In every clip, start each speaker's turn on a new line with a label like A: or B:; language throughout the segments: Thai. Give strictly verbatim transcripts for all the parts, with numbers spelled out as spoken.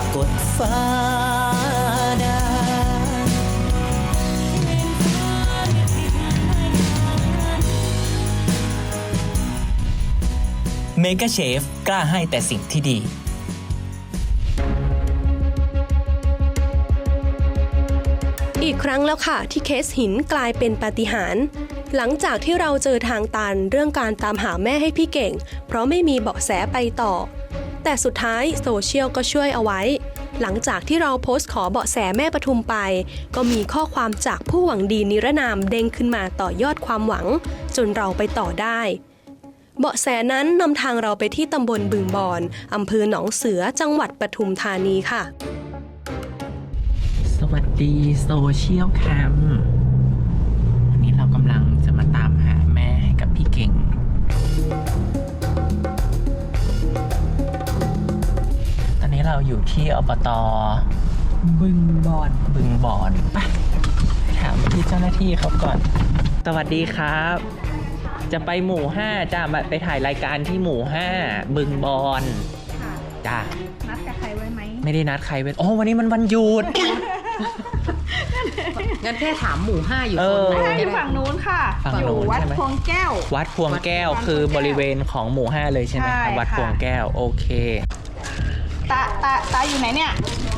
A: กดฟ้าได้เมกาเชฟกล้าให้แต่สิ่งที่ดี
B: อีกครั้งแล้วค่ะที่เคสหินกลายเป็นปาฏิหาริย์หลังจากที่เราเจอทางตันเรื่องการตามหาแม่ให้พี่เก่งเพราะไม่มีเบาะแสไปต่อแต่สุดท้ายโซเชียลก็ช่วยเอาไว้หลังจากที่เราโพสต์ขอเบาะแสแม่ปทุมไปก็มีข้อความจากผู้หวังดีนิรนามเด้งขึ้นมาต่อยอดความหวังจนเราไปต่อได้เบาะแสนั้นนำทางเราไปที่ตำบลบึงบอนอำเภอหนองเสือจังหวัดปทุมธานีค่ะ
C: สวัสดีโซเชียลแคมวันนี้เรากำลังจะมาตามหาแม่ให้กับพี่เก่งตอนนี้เราอยู่ที่อบต.บึงบอนบึงบอนไปถามพี่เจ้าหน้าที่เขาก่อนสวัสดีครับจะไปหมู่ห้าจ้ามาไปถ่ายรายการที่หมู่ห้าบึงบอนจ้า
D: นัดกับใครไว้ไหม
C: ไม่ได้นัดใครไว้โอ้วันนี้มันวันหยุด
E: งั้นแค่ถามหมู่ห้าอยู่โซนไหน
D: อยู่ฝั่งนู้นค่ะอยู่วัดพวงแก้ว
C: วัดพวงแก้วคือบริเวณของหมู่ห้าเลยใช่ไหมครับวัดพวงแก้วโอเค
D: ตาตาตาอยู่ไหนเนี่ย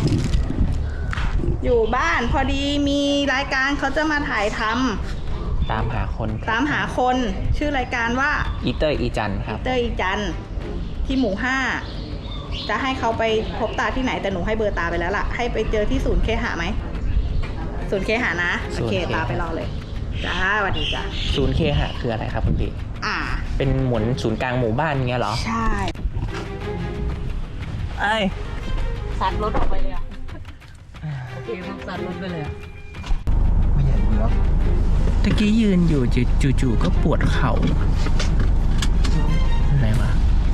D: อยู่บ้านพอดีมีรายการเขาจะมาถ่ายทำ
C: ตามหาคน
D: ตามหาคนชื่อรายการว่า
C: อีเตอร์อีจันครับ
D: อีเตอร์อีจันที่หมู่ห้าจะให้เขาไปพบตาที่ไหนแต่หนูให้เบอร์ตาไปแล้วล่ะให้ไปเจอที่ศูนย์เคหะไหมศูนย์เคหะนะโอเคตาไปรอเลยจ้าสวัสดีจ้า
C: ศูนย์เคหะคืออะไรครับคุณพี่
D: อ่า
C: เป็นหมุนศูนย์กลางหมู่บ้านเงี้ยเหรอ
D: ใช่
C: ไอ้
E: ซัดรถออกไปเลยอ่ะโอเคพวกซัดรถไปเลยอ่ะ
C: ไม่ใหญ่เนาะตะกี้ยืนอยู่จู่ๆก็ปวดเข่าอะไรวะ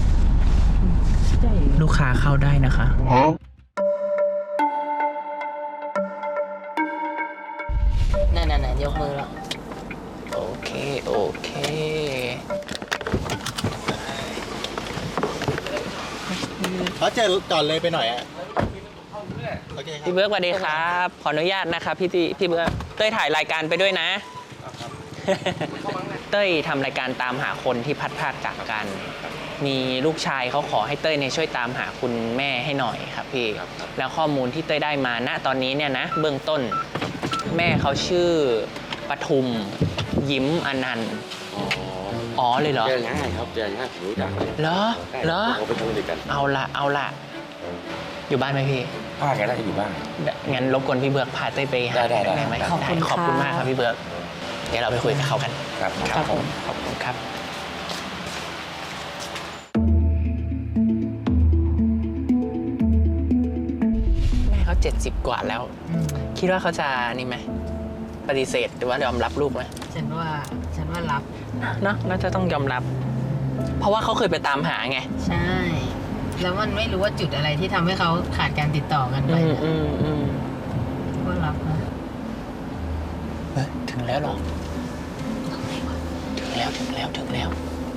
C: ลูกค้าเข้าได้นะคะ
E: นั่นๆๆยกมือแล้ว
C: โอเคโอเค
F: เขาเจอก่อนเลยไปหน่อยอ่ะ
C: พี่เบิร์กสวัสดีครับขออนุญาตนะครับพี่พี่เบิร์กเต้ยถ่ายรายการไปด้วยนะเต้ยทำรายการตามหาคนที่พัดพรากจากกันมีลูกชายเขาขอให้เต้ยเนี่ยช่วยตามหาคุณแม่ให้หน่อยครับพี่แล้วข้อมูลที่เต้ยได้มาณตอนนี้เนี่ยนะเบื้องต้นแม่เขาชื่อปทุมยิ้มอนันต์อ๋อเลยเหรอ
F: เจอง่ายครับเจอง่ายผมรู้จัก
C: เหรอเหรอ
F: เขาไปทำด้วยกัน
C: เอาละเอาละอยู่บ้านไหมพี่
F: ป้าแกน่าจะอยู่บ้าน
C: งั้นรบกวนพี่เบิร์กพาเต้ยไปหาได้ไหมขอบคุณขอบคุณมากครับพี่เบิร์กเดี๋ยวเราไปคุยกับเขากัน
F: ครับ
C: ครับผมขอบคุณครับแม่เขาเจ็ดสิบกว่าแล้วคิดว่าเขาจะนี่ไหมปฏิเสธหรือว่ายอมรับลูกไหม
E: ฉันว่าฉันว่ารับ
C: เนาะน่าจะต้องยอมรับเพราะว่าเขาเคยไปตามหาไง
E: ใช่แล้วมันไม่รู้ว่าจุดอะไรที่ทำให้เขาขาดการติดต่อกันไป
C: อืมอืม
E: ก็รับนะ
C: เฮ้ยถึงแล้วหรอถึงแล้วถึงแล้วถึงแล้ว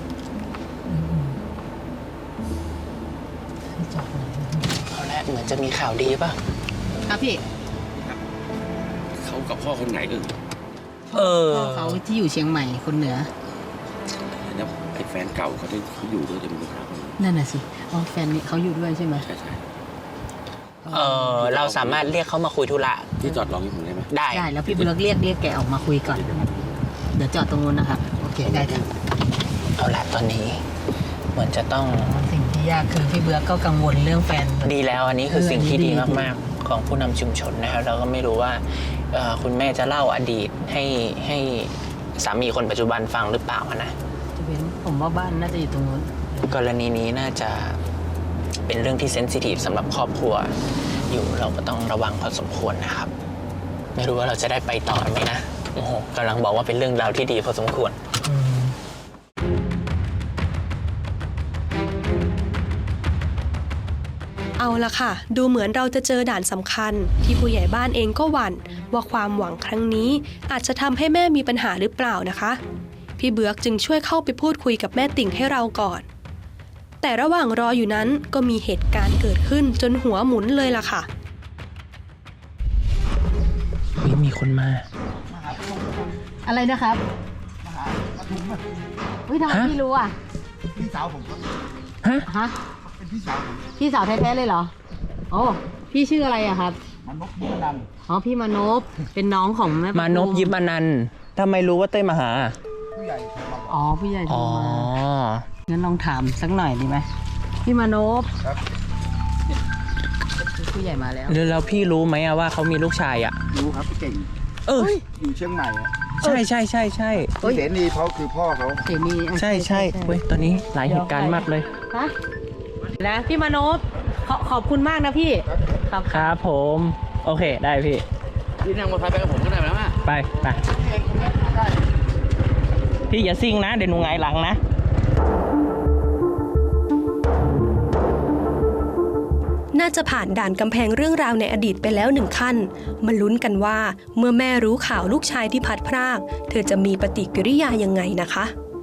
C: เอาละเหมือนจะมีข่าวดีป่ะ
E: ครับพี่
F: เขากับพ่อคนไหนเออ
C: เออ
E: พ่อเขาที่อยู่เชียงใหม่คนเหนือ
F: แล้วไอ้แฟนเก่าเขาที่เขาอยู่ด้วยจะมีปัญหา
E: นั่นน่ะสิอ๋อแฟนนี่เขาอยู่ด้วยใช่ไหม
F: ใช่ใช่
C: เออเราสามารถเรียกเขามาคุยธุระ
F: ที่จอดรอที่ผมได้ไหม
C: ได้
E: ได้แล้วพี่เบิร์กเรียกเรียกแกออกมาคุยก่อนเดี๋ยวจอดตรงนู้นนะครับโอเคได้ครับ
C: เอาละตอนนี้เหมือนจะต้อง
E: สิ่งที่ยากคือพี่เบิร์กก็กังวลเรื่องแฟน
C: ดีแล้วอันนี้คือสิ่งที่ดีมากๆของผู้นำชุมชนนะครับเราก็ไม่รู้ว่าคุณแม่จะเล่าอดีตให้ให้สามีคนปัจจุบันฟังหรือเปล่านะ
E: จะเป็นผมว่าบ้านน่าจะอยู่ตรงนู้น
C: กรณีนี้น่าจะเป็นเรื่องที่เซนซิทีฟสำหรับครอบครัวอยู่เราก็ต้องระวังพอสมควรนะครับไม่รู้ว่าเราจะได้ไปต่อไหมนะโอ้โหกำลังบอกว่าเป็นเรื่องราวที่ดีพอสมควร
B: เอาละค่ะดูเหมือนเราจะเจอด่านสำคัญที่ผู้ใหญ่บ้านเองก็หวั่นว่าความหวังครั้งนี้อาจจะทำให้แม่มีปัญหาหรือเปล่านะคะพี่เบือกจึงช่วยเข้าไปพูดคุยกับแม่ติ่งให้เราก่อนแต่ระหว่างรออยู่นั้นก็มีเหตุการณ์เกิดขึ้นจนหัวหมุนเลยล่ะค่ะ
C: เฮ้ยมีคนมา
E: อะไรนะครับเฮ้ยทำไม
C: ฮะ
E: พี่รู้อ่ะ
G: พี่สาวผมครับ
C: ฮะ
E: ฮะ
G: เป็นพี่สาวผม
E: พี่สาวแท้ๆเลยเหรอโอ้พี่ชื่ออะไรอะครับ
G: มันนกมุกนัน
E: อ๋อพี่มานพเป็นน้องของแม่
C: มานพยิบอนันต์ทำไมรู้ว่าเต้ยมาหา
G: ผู้ใหญ่โทรมาบอก
E: อ๋อผู้ใหญ่โทร
C: อ๋อ
E: มางั้นลองถามสักหน่อยดีไหมพี่มานพ
G: ครับ
E: ผู้ใหญ่มาแล้ว
C: แล้วแล้วพี่รู้ไหมอะว่าเขามีลูกชายอะ
G: รู้ครับพี่เก่ง
C: เออ
G: อยู่เชียงใหม่อะ
C: ใช่ใช่ใช่ใช่
G: พี่เสนีเขาคือพ่อเขา
E: เสนีอ่ะ
C: ใช่ใช่เว้ยตอนนี้หลายเหตุการณ์มากเลย
E: ฮะนะพี่มานพขอขอบคุณมากนะพี่ครับ
C: ครับผม โอเคได้พี่
F: พี่นั่งมอเตอร์ไซค์ไปกับผมก็ได้ไหมล่ะ
C: ไปไปพี่อย่าซิ่งนะ เดี๋ยวหนูหงายหลังนะ
B: น่าจะผ่านด่านกำแพงเรื่องราวในอดีตไปแล้วหนึ่งขั้นมาลุ้นกันว่าเมื่อแม่รู้ข่าวลูกชายที่พัดพราก เธอจะมีปฏิกิริยายังไงนะคะ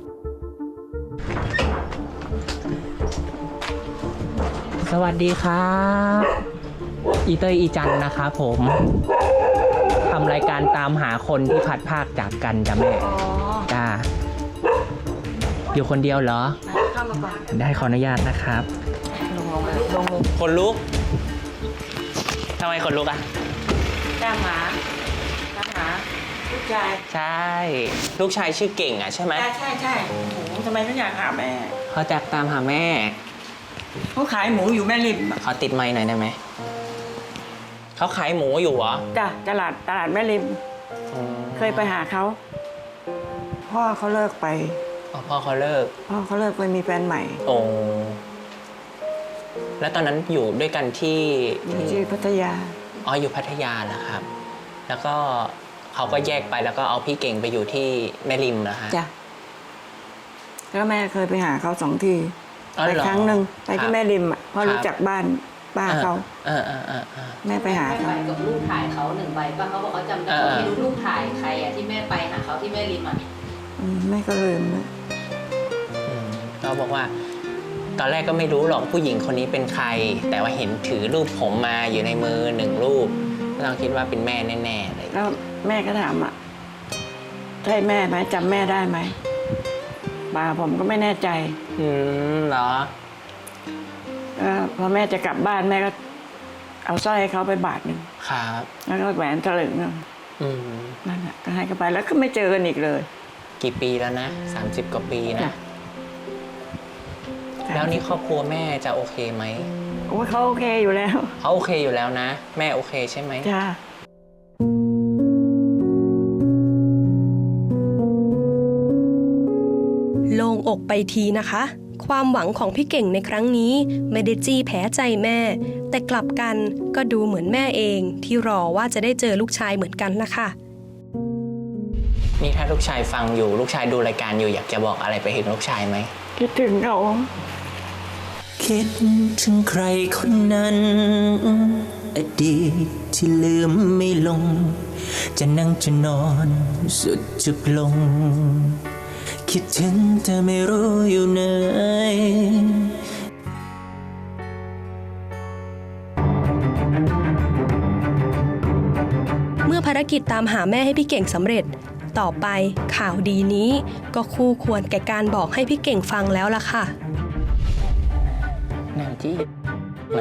C: สวัสดีครับอีเตยอีจันนะครับผมทำรายการตามหาคนที่พัดพรากจากกันจ้ะแม่จ้าอยู่คนเดียวเหรอ
E: เข้ามาก่อน
C: ได้ขออนุญาตนะครับ
E: ลงลงมาลงลง
C: คนลุกทำไมคนลุกอ่ะ
E: ตามหาตามหาลูกชาย
C: ใช่ ลูกชายชื่อเก่งอ่ะใช่ไหม
H: ใช่ใช่ใช่โอ้โหทำไมต้องอยากหาแม่
C: เขาจะตามหาแม่
H: เขาขายหมูอยู่แม่ริมอะ
C: เขาติดไมค์หน่อยได้ไหมเขาขายหมูอยู่เหรอ
H: จ้ะตลาดตลาดแม่ริม
C: อืม
H: เคยไปหาเขา พ่อเขาเลิกไป
C: อ๋อพ่อเขาเลิก
H: พ่อเขาเลิกไปมีแฟนใหม่
C: โอ้แล้วตอนนั้นอยู่ด้วยกันที่
H: อยู่ที่พัทยา
C: อ๋ออยู่พัทยาเหรอครับ แล้วก็เขาก็แยกไปแล้วก็เอาพี่เก่งไปอยู่ที่แม่ริมเหรอฮะ
H: จ้ะแล้วแม่เคยไปหาเขาสองที
C: อ๋อ
H: ไป
C: เหรอ
H: ครั้งหนึ่งไป
C: ครั
H: ที่
C: บ
H: แม่ริมอ่ะเพราะ
C: ครับ
H: รู้จักบ้านป้าเขา
C: เออเออเออเออ
H: แม่ไปหา
E: แม่
H: เขา
E: ไปกับรูปถ่ายเขาหนึ่งใบป่ะเขาบอกเขาจำได้
C: เออ
E: ว่าไม่รู้รูปถ่ายใครอะที่แม่ไปหาเขาที่แม่ริมอะ
H: อืมแม่ก็ลืมนะ
C: อืมเขาบอกว่า ตอนแรกก็ไม่รู้หรอกผู้หญิงคนนี้เป็นใคร แต่ว่าเห็นถือรูปผมมาอยู่ในมือหนึ่งรูปก็ต้องคิดว่าเป็นแม่แน่ๆเลย
H: แล้วแม่ก็ถามอ่ะใช่แม่ไหมจำแม่ได้ไหมป้าผมก็ไม่แน่ใจ
C: อืมเหรอ
H: ก็พอแม่จะกลับบ้านแม่ก็เอาสร้อยให้เขาไปบาทหนึ่ง
C: ครับ
H: แล้วก็แหวนถลึงหนึ่ง
C: อืม
H: นั่นแหละก็ให้เขาไปแล้วก็ไม่เจอกันอีกเลย
C: กี่ปีแล้วนะสามสิบกว่าปีนะ
H: จ้ะ
C: แล้วนี่ครอบครัวแม่จะโอเคไหม
H: โอ้ยเขาโอเคอยู่แล้ว
C: เขาโอเคอยู่แล้วนะ แม่โอเคใช่ไหม
H: จ้า
B: โล่งอกไปทีนะคะ ความหวังของพี่เก่งในครั้งนี้ไม่ได้จี้แพ้ใจแม่ แต่กลับกันก็ดูเหมือนแม่เองที่รอว่าจะได้เจอลูกชายเหมือนกันล่ะค่ะ
C: นี่ถ้าลูกชายฟังอยู่ลูกชายดูรายการอยู่อยากจะบอกอะไรไปถึงลูกชายไหม
H: คิดถึงเขา
A: คิดถึงใครคนนั้น อดีตที่ลืมไม่ลง จะนั่งจะนอนสุดจุกลง คิดถึงแต่ไม่รู้อยู่ไหน
B: เมื่อภารกิจตามหาแม่ให้พี่เก่งสำเร็จ ต่อไปข่าวดีนี้ก็คู่ควรแก่การบอกให้พี่เก่งฟังแล้วล่ะค่ะ
C: แนวจี้มา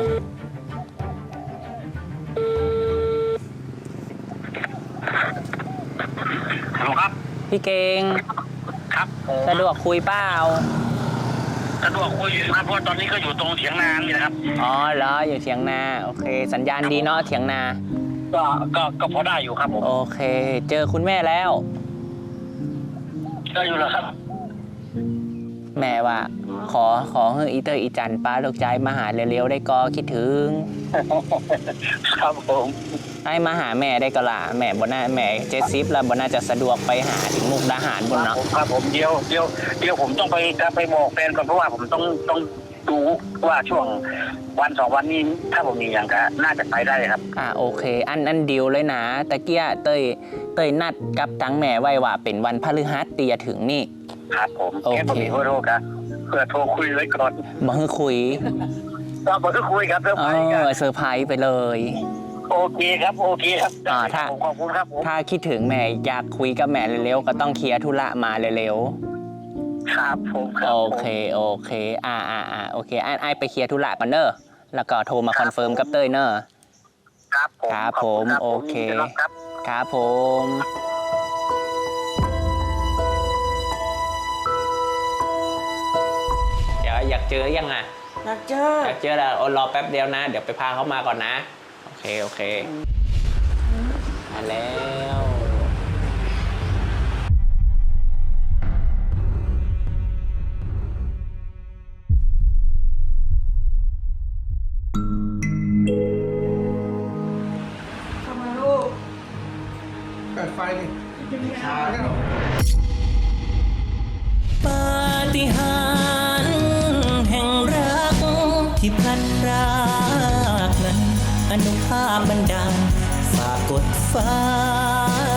I: ฮัลโหลครับ
C: พี่เก่ง
I: ครับผม
C: สะดวกคุยเปล่า
I: สะดวกคุยอยู่นะครับเพราะว่าตอนนี้ก็อยู่ตรงเถียงนานี่นะครับ
C: อ๋อเหรออยู่เถียงนาโอเค สัญญาณดีเนาะเถียงนา
I: ก็ก็ก็พอได้อยู่ครับผม
C: โอเค เจอคุณแม่แล้ว
I: ก็อยู่แล้วครับ
C: แม่ว่า ขอขอให้อีเตอร์อีจันป้าลูกใจมาหาเร็วๆได้ก็คิดถึง
I: ครับผม
C: ให้มาหาแม่ได้ก็ล่ะแม่บนหน้าแม่เจสซิฟแล้วบนน่าจะสะดวกไปหาถึงมุกดาหารบนเนาะ
I: ครับผมเดี๋ยวเดี๋ยวเดี๋ยวผมต้องไปไปบอกแฟนก่อนเพราะว่าผมต้องต้องดูว่าช่วงวันสองวันนี้ถ้าผมมีอย่างก็น่าจะไปได้ครับ
C: อ่าโอเค อันอันดีลเลยนะตะเกียเตยเตยนัดกับตังแม่ไว้ว่าเป็นวันพฤหัสตีจะถึงนี่
I: ครับผม
C: โอเค
I: แค่ผมมีโทษครับเพื่อโทรคุยไว้ก่อน
C: มาให้คุย
I: ก็บอกทุกคุยครับเซอร์
C: เอ
I: ไพรส์กัน
C: อเซอร์ไพรส์ไปเลย
I: โอเคครับโอเคครับ
C: อ่าถ้า
I: ขอบคุณครับผม
C: ถ้าคิดถึงแม่อยากคุยกับแม่เร็วๆก็ต้องเคลียร์ธุระมาเร็ว
I: ครับผมค
C: ๆ
I: รับ
C: โอ
I: ผม
C: เคโอเคอ่าอ่าอ่าโอเคไอ้ไอ้ไปเคลียร์ธุระก่อนเนอะแล้วก็โทรมาคอนเฟิร์มกับเต้ยเนอะ
I: ครับผม
C: ครับ
I: ขอณ
C: ผมโอเค
I: ยินดีต้อนรับครับ
C: ครับผมเดี๋ยวอยากเจอยังอ่ะ
H: อยากเจอ
C: อยากเจอแล้วโอ้รอแป๊บเดียวนะ เดี๋ยวไปพาเขามาก่อนนะ โอเค โอเค มาแล้ว
G: เปิดไฟดิ
A: ปาฏิหาริย์แห่งรักที่พลัดพรากนั้นอนุภาพบันดาลฝากกดฟ้า